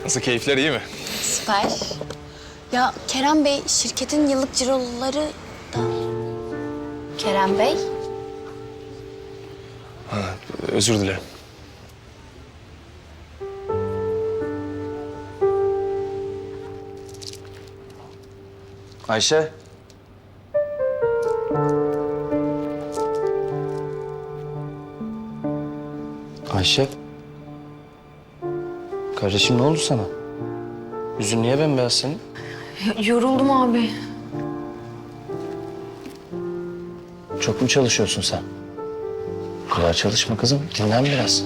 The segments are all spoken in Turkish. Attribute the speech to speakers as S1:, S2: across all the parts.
S1: Nasıl, keyifler iyi mi?
S2: Süper. Ya Kerem Bey, şirketin yıllık ciroları da... Kerem Bey?
S1: Ha, özür dilerim.
S3: Ayşe. Ayşe. Kardeşim ne oldu sana? Yüzün niye bembeyaz senin?
S4: Yoruldum abi.
S3: Çok mu çalışıyorsun sen? Bu kadar çalışma kızım. Dinlen biraz.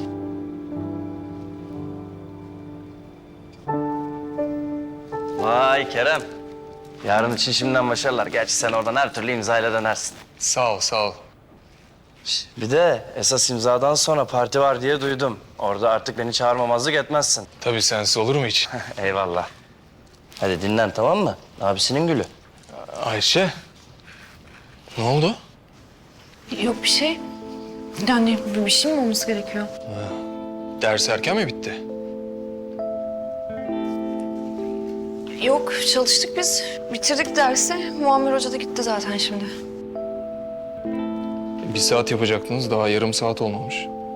S3: Vay Kerem. Yarın için şimdiden başarılar. Gerçi sen oradan her türlü imzayla dönersin.
S1: Sağ ol, sağ ol.
S3: Bir de esas imzadan sonra parti var diye duydum. Orada artık beni çağırmamazlık etmezsin.
S1: Tabii, sensiz olur mu hiç?
S3: Eyvallah. Hadi dinlen, tamam mı? Abisinin gülü.
S1: Ayşe, ne oldu?
S4: Yok bir şey. Yani bir şey mi olması gerekiyor?
S1: Ders erken mi bitti?
S4: Yok çalıştık biz. Bitirdik dersi. Muammer Hoca da gitti zaten şimdi.
S1: 1 saat yapacaktınız, daha yarım saat olmamış.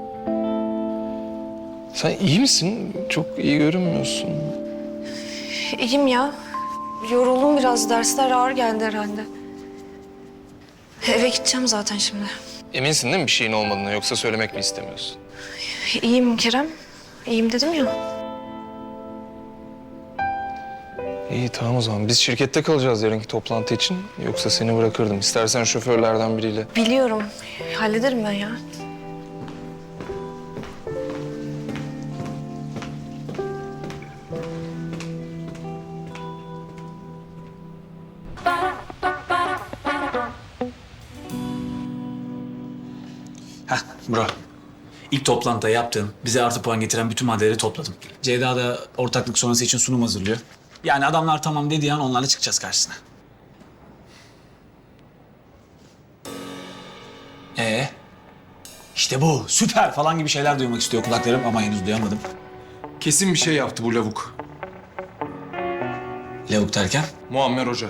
S1: Sen iyi misin? Çok iyi görünmüyorsun.
S4: İyiyim ya. Yoruldum biraz. Dersler ağır geldi herhalde. Eve gideceğim zaten şimdi.
S1: Eminsin değil mi bir şeyin olmadığını, yoksa söylemek mi istemiyorsun?
S4: İyiyim Kerem. İyiyim dedim ya.
S1: İyi, tamam o zaman. Biz şirkette kalacağız yarınki toplantı için. Yoksa seni bırakırdım. İstersen şoförlerden biriyle.
S4: Biliyorum. Hallederim ben ya.
S5: Bro. İlk toplantıda yaptığım, bize artı puan getiren bütün maddeleri topladım. Ceyda da ortaklık sonrası için sunum hazırlıyor. Yani adamlar tamam dediği an onlarla çıkacağız karşısına. İşte bu, süper falan gibi şeyler duymak istiyor kulaklarım ama henüz duyamadım.
S1: Kesin bir şey yaptı bu lavuk.
S5: Lavuk derken?
S1: Muammer Hoca.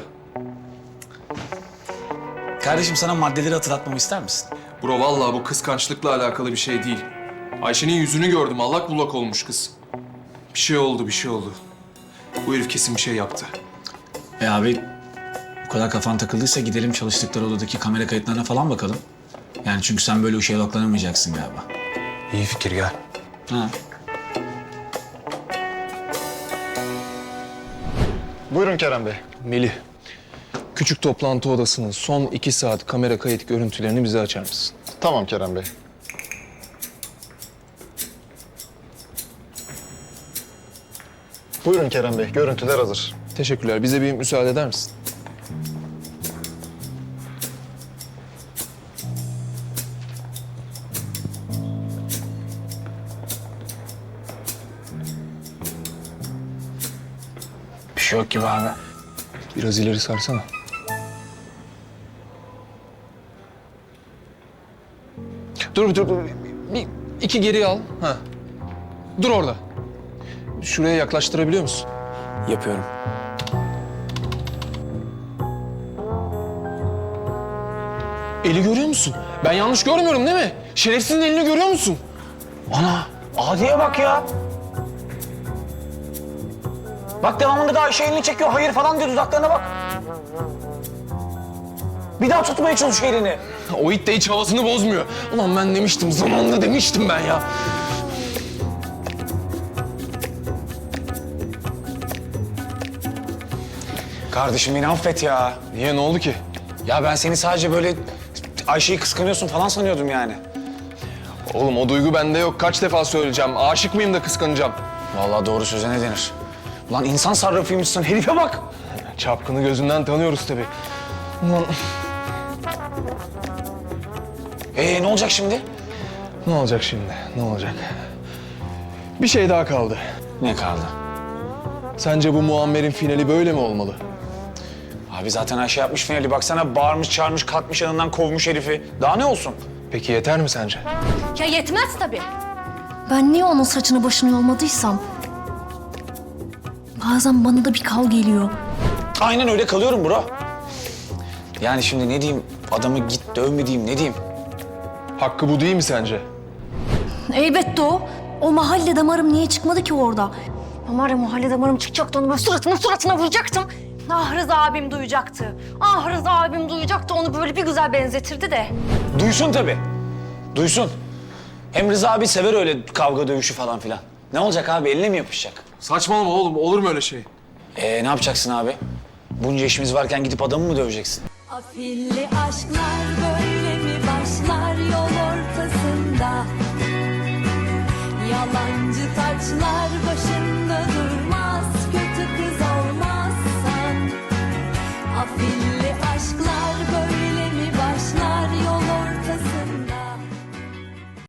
S5: Kardeşim sana maddeleri hatırlatmamı ister misin?
S1: Bro, vallahi bu kıskançlıkla alakalı bir şey değil. Ayşe'nin yüzünü gördüm. Allak bullak olmuş kız. Bir şey oldu, bir şey oldu. Bu herif kesin bir şey yaptı.
S5: Abi bu kadar kafan takıldıysa gidelim çalıştıkları odadaki kamera kayıtlarına falan bakalım. Yani çünkü sen böyle işe odaklanamayacaksın galiba.
S1: İyi fikir, gel.
S5: Ha.
S6: Buyurun Kerem Bey.
S1: Melih, küçük toplantı odasının son 2 saat kamera kayıt görüntülerini bize açar mısın?
S6: Tamam Kerem Bey. Buyurun Kerem Bey, görüntüler hazır.
S1: Teşekkürler. Bize bir müsaade eder misin?
S5: Bir şey yok gibi abi.
S1: Biraz ileri sarsana. Dur. Bir, 2 geri al. Ha. Dur orada. Şuraya yaklaştırabiliyor musun?
S5: Yapıyorum.
S1: Eli görüyor musun? Ben yanlış görmüyorum değil mi? Şerefsizin elini görüyor musun?
S7: Ana, Adi'ye bak ya. Bak devamında da Ayşe elini çekiyor, hayır falan diyor, dudaklarına bak. Bir daha tutmaya çalışıyor elini.
S1: O it de hiç havasını bozmuyor. Ulan ben demiştim, zamanında demiştim ben ya.
S7: Kardeşim beni affet ya.
S1: Niye, ne oldu ki?
S7: Ya ben seni sadece böyle Ayşe'yi kıskanıyorsun falan sanıyordum yani.
S1: Oğlum o duygu bende yok. Kaç defa söyleyeceğim. Aşık mıyım da kıskanacağım?
S7: Vallahi doğru söze ne denir? Ulan insan sarrafıymışsın, herife bak.
S1: Çapkını gözünden tanıyoruz tabii. Ulan
S7: Ne olacak şimdi?
S1: ne olacak şimdi? Ne olacak? Bir şey daha kaldı.
S7: Ne kaldı?
S1: Sence bu Muammer'in finali böyle mi olmalı?
S7: Abi zaten Ayşe yapmış finali, baksana bağırmış, çağırmış, kalkmış yanından kovmuş herifi. Daha ne olsun?
S1: Peki yeter mi sence?
S2: Ya yetmez tabii. Ben niye onun saçını başını yolmadıysam...
S8: bazen bana da bir kal geliyor.
S7: Aynen öyle kalıyorum bro. Yani şimdi ne diyeyim? Adamı git dövme diyeyim, ne diyeyim?
S1: Hakkı bu değil mi sence?
S8: Elbette o. O mahalle damarım niye çıkmadı ki orada?
S4: Ama var ya mahalle damarım çıkacaktı, onu böyle suratına vuracaktım.
S8: Ah Rıza abim duyacaktı. Ah Rıza abim duyacaktı, onu böyle bir güzel benzetirdi de.
S7: Duysun tabii. Duysun. Hem Rıza abi sever öyle kavga dövüşü falan filan. Ne olacak abi? Eline mi yapışacak?
S1: Saçmalama oğlum, olur mu öyle şey?
S7: Ne yapacaksın abi? Bunca işimiz varken gidip adamı mı döveceksin?
S9: Afilli aşklar böyle mi başlar yol ortasında? Yalancı taçlar başında.